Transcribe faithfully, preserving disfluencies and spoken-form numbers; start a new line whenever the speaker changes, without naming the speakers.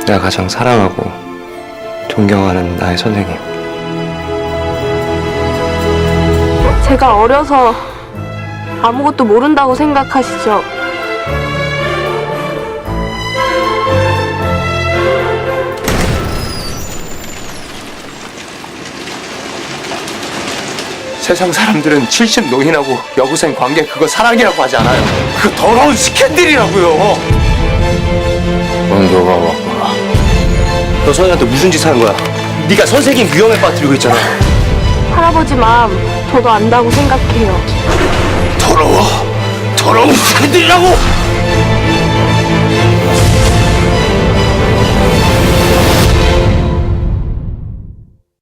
내가 가장 사랑하고 존경하는 나의 선생님.
제가 어려서 아무것도 모른다고 생각하시죠?
세상 사람들은 칠십 노인하고 여고생 관계 그거 사랑이라고 하지 않아요. 그거 더러운 스캔들이라고요. 넌 너가 왔구나. 너 선생한테 무슨 짓 하는 거야? 네가 선생님 위험에 빠뜨리고 있잖아.
할아버지 마음 저도 안다고 생각해요.
더러워. 더러운 스캔들이라고.